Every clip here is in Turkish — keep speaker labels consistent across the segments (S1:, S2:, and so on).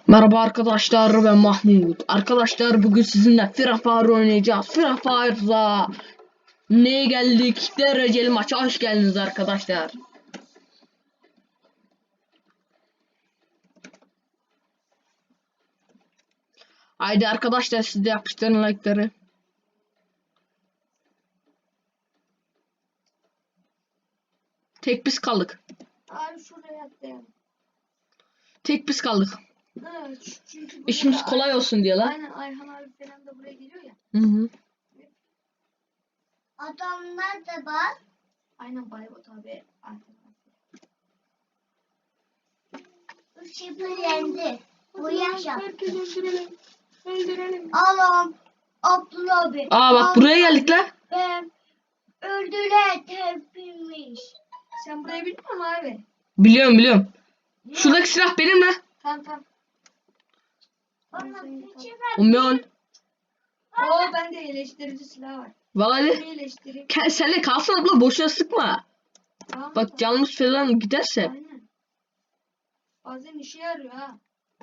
S1: Merhaba arkadaşlar, ben Mahmut. Arkadaşlar bugün sizinle Free Fire oynayacağız. Free Fire'da neye geldik? Dereceli maça hoş geldiniz arkadaşlar. Haydi arkadaşlar, siz de yapıştırın like'ları. Tek biz kaldık.
S2: Abi şuraya atlayalım.
S1: Tek biz kaldık.
S2: Evet, çünkü
S1: İşimiz kolay olsun diye lan.
S2: Aynen, Ayhan abi falan da buraya geliyor ya.
S1: Hı.
S2: Adamlar da var. Aynen Baybot abi.
S3: Şifrelendi. Bu yaşam.
S2: Öldürelim. Öldürelim.
S3: Allah'ım. Abdullah abi.
S1: Aa bak, buraya geldik lan.
S3: Ben öldüler tepinmiş.
S2: Sen burayı bilmiyor musun abi?
S1: Biliyorum. Şuradaki silah benim lan.
S2: Tamam.
S3: Bana
S1: Umyon.
S2: Oo, bende iyileştirici silah var.
S1: Vallahi
S2: Seni iyileştireyim.
S1: senle kalsın abla, boşuna sıkma.
S2: Tamam,
S1: Bak canımız falan giderse.
S2: Aynen. Bazen işe yarıyor ha.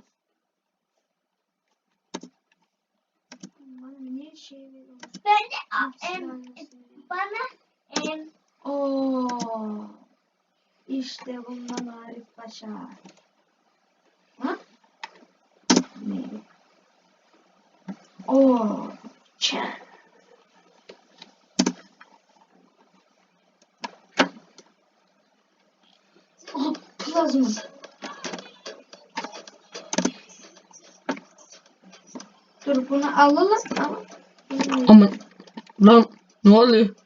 S2: Bana niye şey veriyorsun?
S3: Ben de bana
S2: Oo. İşte bundan Arif Paşa. Ha? Ne? Oo. Çen. Oh, plazma. Dur, bunu alalım ama.
S1: Aman lan, ne oluyor?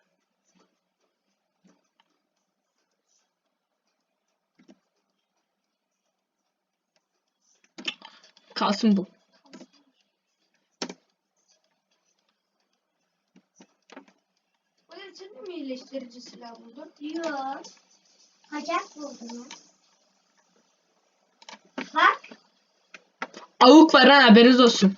S1: Kalsın bu.
S2: Böyle sen de mi iyileştirici silah buldun?
S3: diyor. Kaçak buldum. Bak.
S1: Avuk var ha, haberiniz olsun.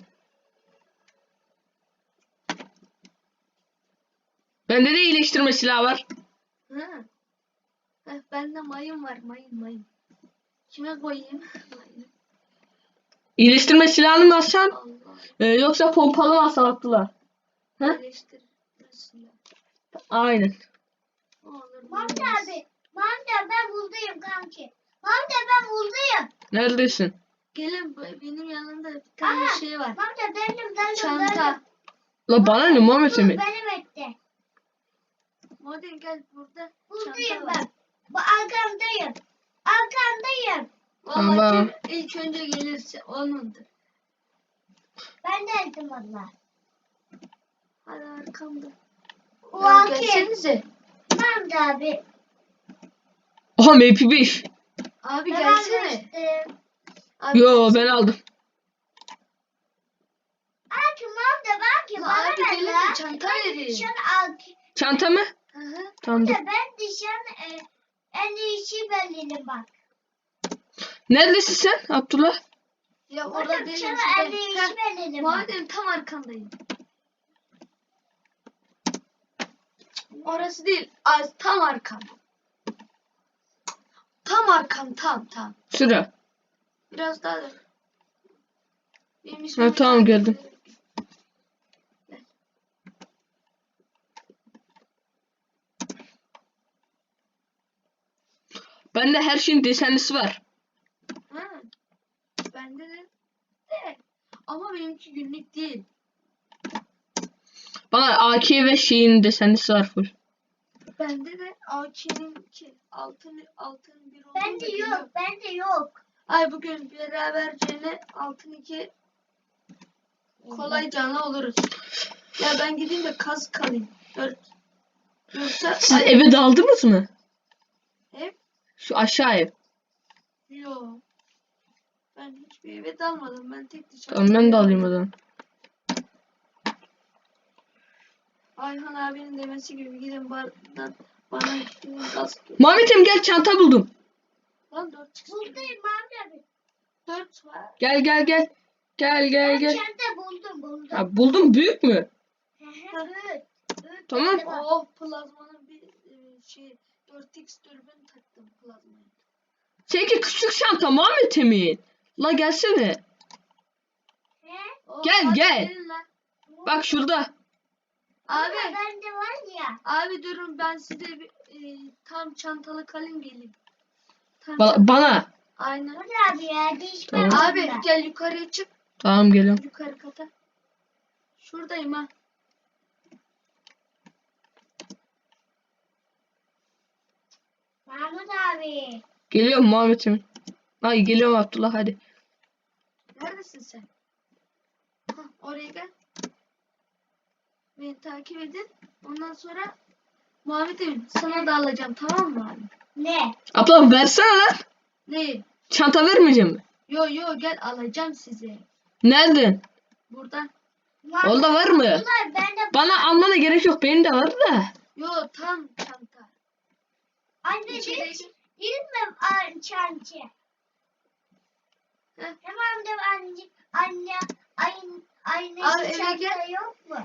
S1: Bende de iyileştirme silahı var.
S2: Ha. Heh, bende mayın var, mayın. Kime koyayım? Mayın.
S1: İyileştirme silahını mı alsan?
S2: Allah.
S1: Yoksa pompalı mı alsan Abdullah? Ha?
S2: İyileştirici silah.
S1: Aynen.
S2: Olur.
S3: Mamda abi. Mamda ben buldum kanki. Mamda ben buldum.
S1: Neredesin?
S2: Gelin, benim yanımda bir tane şey var.
S3: Mamda döndüm.
S2: Çanta.
S1: La bana ne Muhammed
S3: Dur
S1: Emin?
S3: benim etti.
S2: Modern gel, burada
S3: Buldum
S2: çanta var.
S3: ben. Bu arkamdayım. Arkamdayım.
S1: Tamam.
S2: Vallahi kim ilk önce gelirse onundur.
S3: Ben de ettim valla.
S2: Hadi arkamda.
S3: O
S2: Ya
S3: anki.
S2: gelsenize.
S3: Mamda abi.
S1: Oha MP5.
S2: Abi
S3: Ben
S2: gelsene.
S3: almıştım.
S2: Abi,
S1: Yo, ben aldım.
S3: Aki mamda belki
S2: La
S3: bana
S2: abi
S3: ver
S2: gelin
S3: la.
S2: çanta
S3: Ben
S2: vereyim.
S3: dışarı al.
S1: Çanta mı?
S2: Hı hı.
S1: Tamam dur.
S3: Ben dışarı en iyisi belirli bak.
S1: Neredesin sen Abdullah?
S2: Ya
S3: Orada
S2: orada değilim.
S3: dışarı en
S2: şurada.
S3: iyisi
S2: Heh,
S3: belirli bak.
S2: Madem tam arkandayım. Orası değil. Az tam arkam. Tam arkam, tam.
S1: Sıra.
S2: Biraz daha da. Benim
S1: Ha,
S2: ismimi
S1: tamam,
S2: takip
S1: geldim.
S2: ederek. Gel.
S1: Bende her şeyin desenlisi var.
S2: Ha. Bende de. Ama benimki günlük değil.
S1: Bana AK ve şeyin desenlisi var full.
S2: Bende de AK'ninki altın bir oldu.
S3: Bende yok. Bende yok.
S2: Ay, bugün beraberce altın 2 kolay canlı oluruz. Ya ben gideyim de kaz kalayım. Yoksa
S1: Siz eve daldınız mı?
S2: ev
S1: Şu aşağı ev.
S2: yok. Ben hiçbir eve dalmadım. Ben tek dışarı.
S1: Tamam, ben de alayım o zaman.
S2: Ayhan abinin demesi gibi gidin bardan bana gidin gaz.
S1: Muhammed'im gel, çanta buldum.
S2: Lan 4 çıksın.
S3: Buldum mamda abi.
S2: 4 var.
S1: Gel. Gel.
S3: Ben
S1: Gel.
S3: çanta buldum.
S1: Ha, buldum, büyük mü?
S3: Evet.
S1: Tamam.
S2: Oh, plazmanın bir şey 4x dürbün taktım plazmaya.
S1: Seninki küçük çanta Muhammed Emin. La gelsene.
S3: He?
S2: Oo,
S1: Gel,
S2: hadi
S1: gel.
S2: gelin lan.
S1: Bak şurada.
S2: Abi.
S3: Bende var ya.
S2: Abi durun ben size bir tam çantalı kalın geleyim. Tam
S1: Bana.
S2: Aynen.
S3: Hadi abi ya değişme.
S1: Tamam.
S2: Abi gel yukarıya çık.
S1: Tamam geliyorum.
S2: Yukarı kata. Şuradayım ha.
S3: Mahmut abi.
S1: Geliyorum Muhammed'im. Ay geliyorum Abdullah hadi.
S2: Neredesin sen? Hah, oraya gel. Beni takip edin. Ondan sonra Muhammed'im sana da alacağım, tamam mı abi?
S3: Ne?
S1: Abla versene lan.
S2: Ne?
S1: Çanta vermeyeceğim mi?
S2: Yo yo gel alacağım sizi.
S1: Nereden?
S2: Buradan.
S1: Orada var mı?
S3: Abdullah, ben de
S1: Bana almana gerek yok. Benim de var da.
S2: Yo tam çanta.
S3: anne
S2: İçeri
S3: hiç
S2: gir.
S3: bilmem çançı.
S2: Heh.
S3: Tamam da anne aynı
S2: Abi, eve
S3: çanta
S2: gel.
S3: yok mu?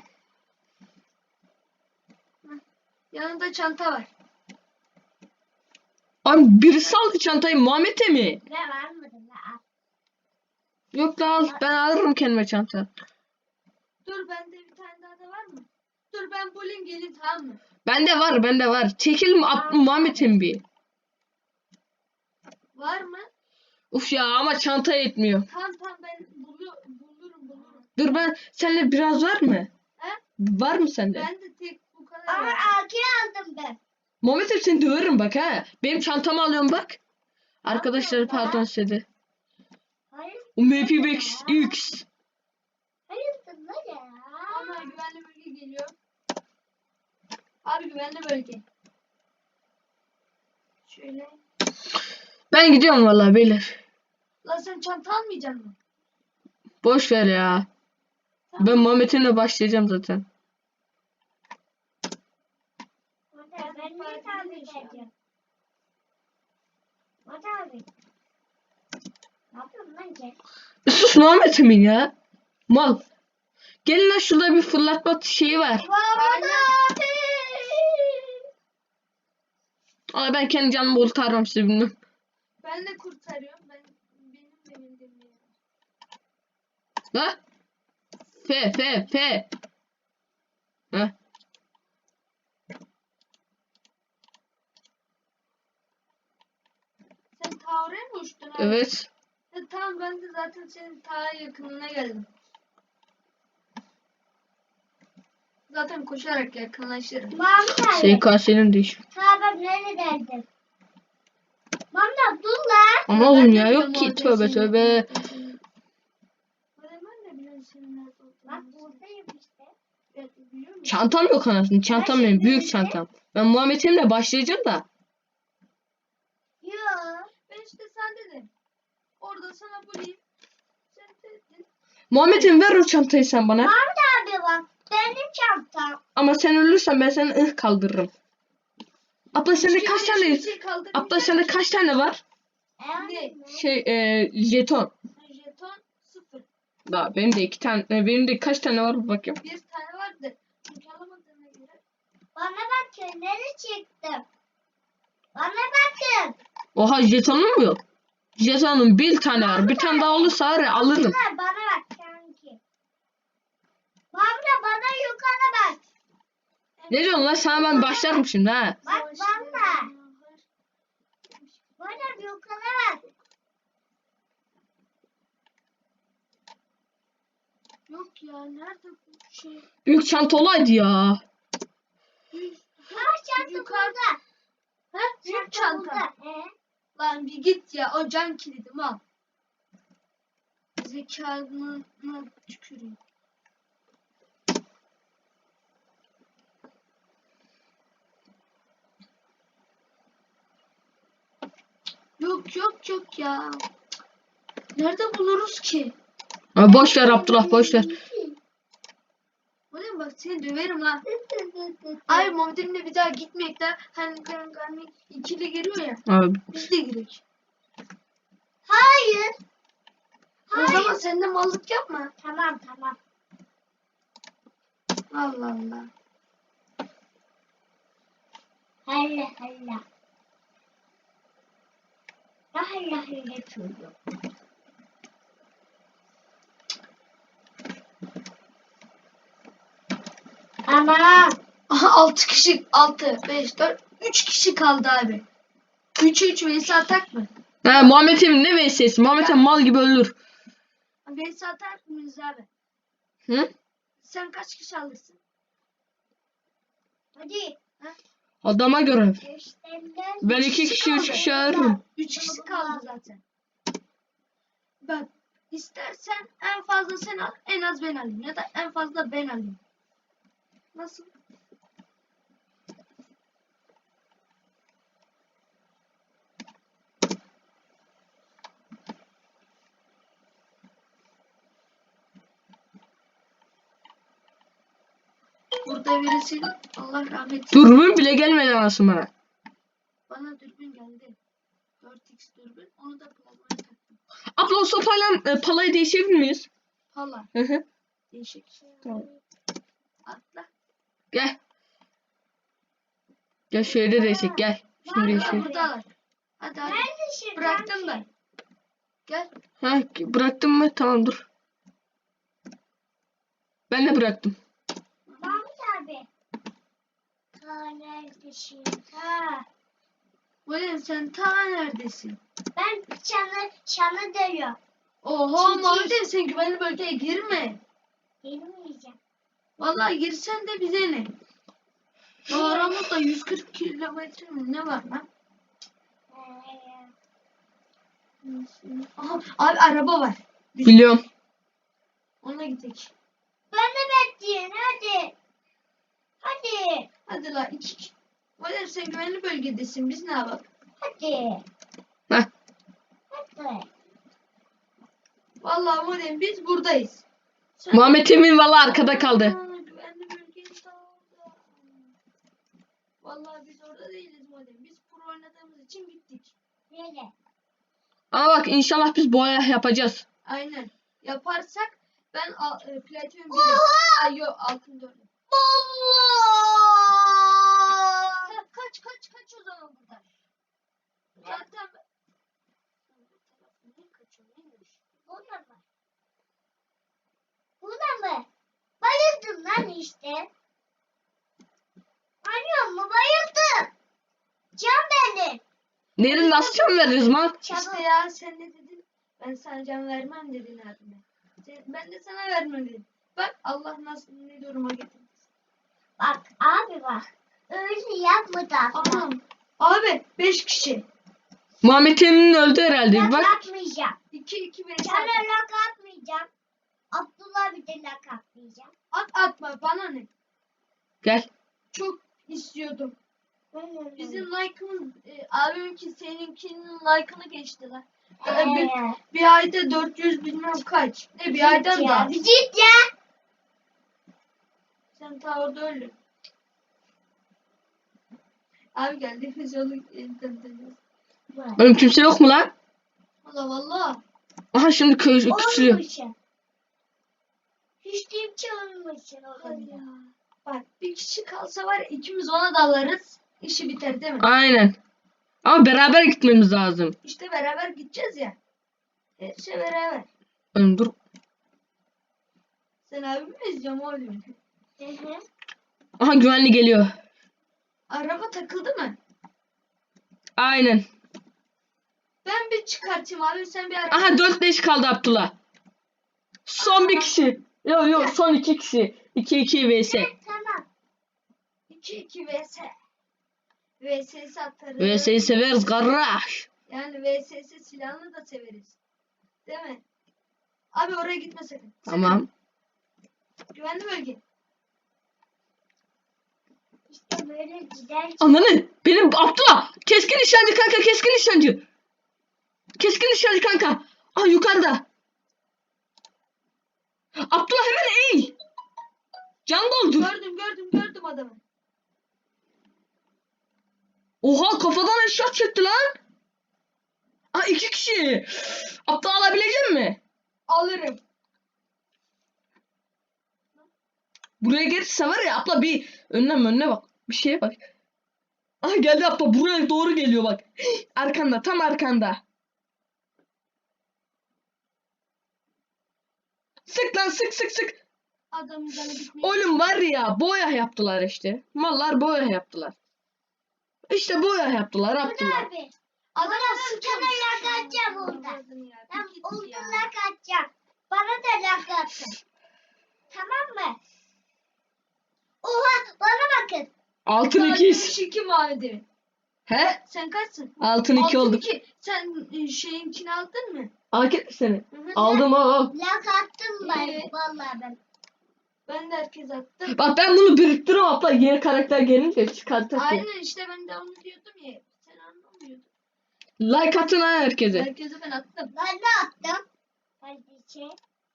S2: Yanında çanta var.
S1: Abi birisi aldı çantayı Muhammed'e mi?
S3: Ne var mı da?
S1: Yok da al. Ben alırım kendime çanta.
S2: Dur bende bir tane daha da var mı? Dur ben bulayım gelin, tamam mı?
S1: Bende var bende var. Çekil Muhammed'im bir.
S2: Var mı?
S1: Uf ya ama çanta yetmiyor.
S2: Tamam ben bulurum.
S1: Dur ben seninle biraz var mı?
S2: He?
S1: Var mı sende?
S2: Ben de tek bu kadar
S3: Ama
S2: var.
S3: AK aldım ben.
S1: Muhammed'im seni döverim bak ha. Benim çantamı alıyorum bak. Arkadaşlar
S3: Yapma
S1: pardon
S3: lan.
S1: size.
S3: Hayır.
S1: UMP X.
S3: Hayırdır lan ya?
S2: Ama güvenli bölge geliyor. Abi güvenli bölge. Şöyle.
S1: Ben gidiyorum vallahi beyler.
S2: Lan sen çanta almayacaksın mı?
S1: Boş ver ya.
S2: Tamam.
S1: Ben Muhammed'imle başlayacağım zaten.
S3: Ben niye tahmin edeceğim? Mata abi. Ne yapıyorsun lan sen?
S1: Sus Muhammed'imin ya. Mal. Gelin lan şurada bir fırlatma şeyi var.
S3: Mata abi.
S1: Ama ben kendi canımı kurtarmam size bilmem.
S2: Ben de kurtarıyorum. Benim de bildiğim yer.
S1: Ha? F. Ha?
S2: Sen ta oraya mı uçtun abi?
S1: Evet.
S2: Tamam ben de zaten senin ta yakınına geldim. Zaten koşarak yakınlaşırım.
S3: Mahmut abi.
S1: SKS'nin değiş.
S3: Sabah neredeydim? Mahmut dur lan.
S1: Ama oğlum ya
S2: Ben de
S1: yok ki
S2: biliyorum
S1: tövbe
S2: orada
S1: tövbe.
S2: senin- Ben de biliyorum senin nerede
S3: Bak
S2: olduğunu.
S3: buradayım işte.
S2: Evet, biliyor musun?
S1: Çantam yok anasını. Çantam benim büyük çantam. Ben Muhammed'imle başlayacağım da.
S3: Yok.
S2: Ben işte sen dedin. Orada sana bulayım. Sen dedin.
S1: Muhammed'im ver o çantayı sen bana.
S3: Mahmut abi bak. Benim çantam.
S1: Ama sen ölürsen ben seni kaldırırım. Abla sende kaç
S2: Hiçbir
S1: tane?
S2: şey kaldırmayacak
S1: Abla sende kaç tane var?
S2: Ne?
S1: Jeton.
S2: Jeton 0.
S1: Daha benim de 2 tane. Benim de kaç tane var bakayım.
S2: Bir tane vardı. Çünkü alamadığına göre.
S3: Bana bakın. Nereye çıktım? Bana bakın.
S1: Oha jetonun mu yok? Jetonun bir tane var. Bir tane daha olursa var ya, alırım.
S3: Bunlar bana bak kanki. Mahmut bana yukarı bak.
S1: Ne diyorsun lan, sana ben başlarım şimdi ha.
S3: Bak bana. Bana yukarı bak.
S2: Yok ya nerede bu şey?
S1: Büyük çanta olaydı ya.
S3: Ha çanta
S2: Yukarı-
S3: burada.
S2: Ha? Büyük çanta.
S3: burada.
S2: Lan bir git ya, o can kilidim al. Zekanı tüküreyim. Yok ya. Nerede buluruz ki?
S1: Ha, boş ver Abdullah boş ver.
S2: Oğlum bak seni döverim ha. Ay Muhammed'imle bir daha gitmeyek de hani ikili geliyor ya.
S1: Abi.
S2: Biz de girek.
S3: Hayır.
S2: O zaman sen de mallık yapma.
S3: Tamam.
S2: Allah Allah.
S3: Hayır. Allah çocuk. Tamam.
S2: Aha 6 kişi 6 5 4 3 kişi kaldı abi. 3'e 3 vs atak mı?
S1: Ha, Muhammed Emin ne vs? Muhammed Emin mal gibi ölür.
S2: Vs atak mıyız abi?
S1: Hı?
S2: Sen kaç kişi alırsın?
S3: Hadi.
S1: Adama göre.
S3: Gösterden.
S1: Ben 2 kişi 3 kişi ayırırım.
S2: 3 kişi kaldı zaten. Bak istersen en fazla sen al, en az ben alayım ya da en fazla ben alayım. Nasıl? Burada birisi Allah rahmet eylesin.
S1: Dürbün bile gelmedi anasını bana.
S2: Bana dürbün geldi. 4x dürbün. Onu da plazmaya taktım.
S1: Abla o sopayla palayı değişebilir miyiz?
S2: Pala.
S1: Hı hı.
S2: Değişik.
S1: Tamam.
S2: Atla.
S1: Gel. Gel şöyle değişik gel. Şimdi
S2: Hala
S1: değişik.
S2: buradalar. Hadi hadi.
S3: Neredesin?
S2: Bıraktım ben. Gel.
S1: Ha bıraktın mı? Tamam dur. Ben de bıraktım.
S3: Mahmut abi. Ha neredesin? Ha.
S2: William sen ta neredesin?
S3: Ben çanı dövüyorum.
S2: Oho
S3: Çiğ.
S2: Muhammed sen güvenli bölgeye girme.
S3: Girmeyeceğim.
S2: Vallahi girsen de bize ne? Ya aramızda 140 kilometre mi ne var lan? Aha abi araba var.
S1: Biliyorum.
S2: Ona gidelim.
S3: Ben de bekleyin hadi. Hadi.
S2: Hadi la iki. William sen güvenli bölgedesin biz ne yapalım?
S3: Hadi.
S1: Heh.
S3: Hadi.
S2: Vallahi William biz buradayız.
S1: Muhammed Emin valla arkada kaldı.
S2: Aa, güvenli bölgeye daldı. Vallahi biz orada değiliz William. Biz pro oynadığımız için gittik.
S3: Nereye?
S1: Ama bak inşallah biz boya yapacağız.
S2: Aynen. Yaparsak ben platin
S3: Oha!
S2: 1'im. Ay yok altın 4'üm.
S3: Allah!
S2: Sen kaç o zaman buradan. Zaten niye kaçıyorsun? Neymiş?
S3: Buna mı? Buna mı? Bayıldım lan işte. Anlıyor musun? Bayıldım. Can benim.
S1: Nereye nasıl can veririz lan?
S2: İşte ya sen ne dedin? Ben sana can vermem dedin abime. Ben de sana vermem dedim. Bak Allah nasıl ne duruma getirdi.
S3: Bak abi bak. Öyle yapma da.
S2: Anam. Abi 5 kişi.
S1: Muhammed Emin öldü herhalde. Bir
S3: Lak
S1: bak.
S3: atmayacağım.
S2: 2
S3: Sana
S2: vs.
S3: lak atmayacağım. Abdullah bir de lak atmayacağım.
S2: Atma bana ne?
S1: Gel.
S2: Çok istiyordum. Bizim like'ımız abiminki seninkinin like'ını geçti lan. Bir ayda 400 bilmem kaç. Ne bir aydan da.
S3: Bir git ya.
S2: Sen ta orada öldün. Abi geldiğimiz yolu dönüyoruz.
S1: Oğlum kimse yok mu lan?
S2: Valla valla.
S1: Aha şimdi küçülüyor.
S3: Olmuşsun. Hiç kimse olmuşsun orada.
S2: Bak bir kişi kalsa var ya, ikimiz ona dalarız. İşi biter değil mi?
S1: Aynen. Ama beraber gitmemiz lazım.
S2: İşte beraber gideceğiz ya. Her şey beraber.
S1: Oğlum dur.
S2: Sen abimi mi izliyorsun oğlum?
S3: Hı hı.
S1: Aha güvenli geliyor.
S2: Araba takıldı mı?
S1: Aynen.
S2: Ben bir çıkartayım abi sen bir araba.
S1: Aha 4-5 kaldı Abdullah. Son bir kişi. Yok son 2 kişi. 2-2 vs.
S3: Tamam.
S2: 2 vs. VSS atarız.
S1: VS'yi severiz kardeş.
S2: Yani VSS silahını da severiz. Değil mi? Abi oraya gitme sakın.
S1: Tamam.
S2: Güvenli bölge.
S3: İşte böyle gider.
S1: Ananı. Benim Abdullah. Keskin nişancı kanka keskin nişancı. Keskin nişancı kanka. Ah yukarıda. Abdullah hemen eğil. Can doldur.
S2: Gördüm adamı.
S1: Oha kafadan eşya çekti lan. Aa 2 kişi. Abdullah alabilecek mi?
S2: Alırım.
S1: Buraya gelirse var ya abla bir önüne bak. Bir şeye bak. Ah geldi abla buraya doğru geliyor bak. Arkanda tam arkanda. Sık lan sık.
S2: Adamın canı bitmiyor.
S1: Oğlum var ya boya yaptılar işte. Mallar boya yaptılar. İşte boya yaptılar yaptılar.
S3: Abi.
S2: Adam
S3: Bana sana lak atacağım orada. Ben olduğuna lak atacağım. Bana da lak atın. Tamam mı? Oha bana bakın.
S1: Altın ikiz.
S2: 62 mavi.
S1: He?
S2: Sen kaçsın?
S1: Altın iki
S2: Altın
S1: olduk.
S2: iki. Sen şeyinkini aldın mı?
S1: Akit seni.
S2: Hı hı.
S1: Aldım al.
S3: Lak attım ben.
S2: Ee?
S3: Vallahi ben.
S2: Ben de herkes attım.
S1: Bak ben bunu biriktiriyorum abla. Yeni karakter gelince çıkartacak.
S2: Aynen işte ben de onu diyordum ya. Sen anlamıyordun.
S1: Like atın ha herkese.
S2: Herkese ben attım.
S3: Ben de attım. Kardeşim.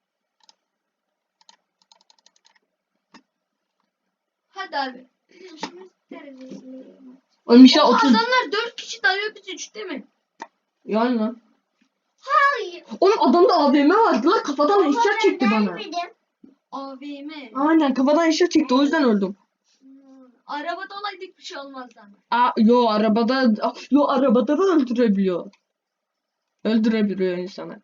S2: Hadi abi. İşimiz derecesinde.
S1: Oğlum işte 30.
S2: Adamlar 4 kişi dalıyor biz 3 değil mi?
S1: Yani lan.
S3: Hayır.
S1: Oğlum adamda AVM vardı lan kafadan
S3: Ama
S1: eşya
S3: ben
S1: çekti bana.
S3: vermedim.
S2: AVM.
S1: Aynen kafadan eşya çekti o yüzden öldüm.
S2: Arabada olaydık bir şey olmazdı ama.
S1: Yo arabada da öldürebiliyor. Öldürebiliyor insanı.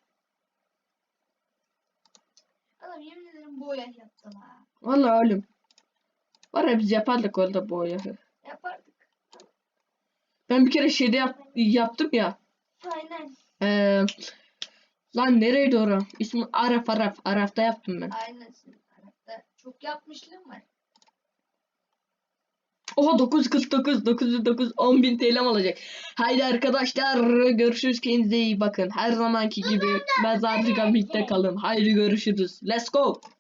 S2: Adam yemin ederim boya yaptılar.
S1: Vallahi ölüm. Var ya biz yapardık orada bu oyunu.
S2: Yapardık.
S1: Ben bir kere şeyde yaptım ya.
S2: Aynen.
S1: Lan nereydi orası? İsmi Araf. Araf'ta yaptım ben.
S2: Aynen senin tarafta. Çok yapmışlığım var.
S1: Oha 949 10.000 TL'm olacak. Haydi arkadaşlar görüşürüz, kendinize iyi bakın. Her zamanki gibi mezarcı birlikte kalın. Haydi görüşürüz. Let's go.